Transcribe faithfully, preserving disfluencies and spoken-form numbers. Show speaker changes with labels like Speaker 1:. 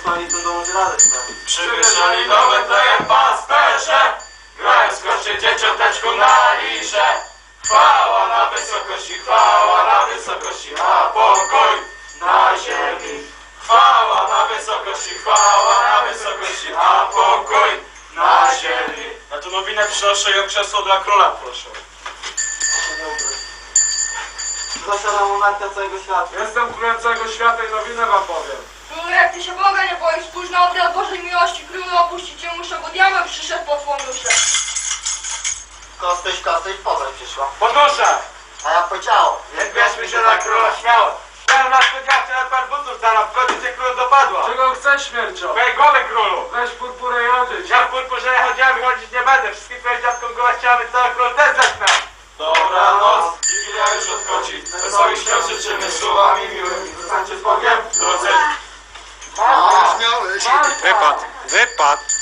Speaker 1: stolicą dołoży radę sprawić.
Speaker 2: Przywyższali nowe tleje pasterze, grając koście dzieciąteczku na liże. Chwała na wysokości, chwała na wysokości, a pokój na ziemi. Chwała na wysokości, chwała na wysokości, a pokój na ziemi.
Speaker 3: Ja tu nowinę przynoszę i o krzesło dla króla proszę.
Speaker 1: Zasiada monarchia całego świata.
Speaker 3: Jestem królem całego świata i nowinę wam powiem.
Speaker 4: Królu, jak ty się Boga nie boisz, spójrz na obraz Bożej miłości, królu opuścić cię muszę, bo diabeł przyszedł po twą duszę.
Speaker 1: Kostyś, kostyś, poza przyszła.
Speaker 3: Podnoszę!
Speaker 1: A ja powiedział,
Speaker 2: Nie bierzmy się na króla śmiało. Chciałem na spodziewkę na par butów zaraz, wchodzi cię król dopadła.
Speaker 3: Czego chcesz, śmiercio?
Speaker 2: Twoje głowy, królu.
Speaker 3: Weź purpurę i odejdź.
Speaker 2: Ja w purpurze nie chodziłem i chodzić nie będę. Wszystkich twoich dziadkom goła chciałem, cały król też zacznę. Dobranoc, Wigilia już odchodzi. Wesołych świąt życzymy słowami miłymi. Zostańcie z Bogiem, drodzy.
Speaker 1: a, śmiałeś.
Speaker 3: Wypad, wypad.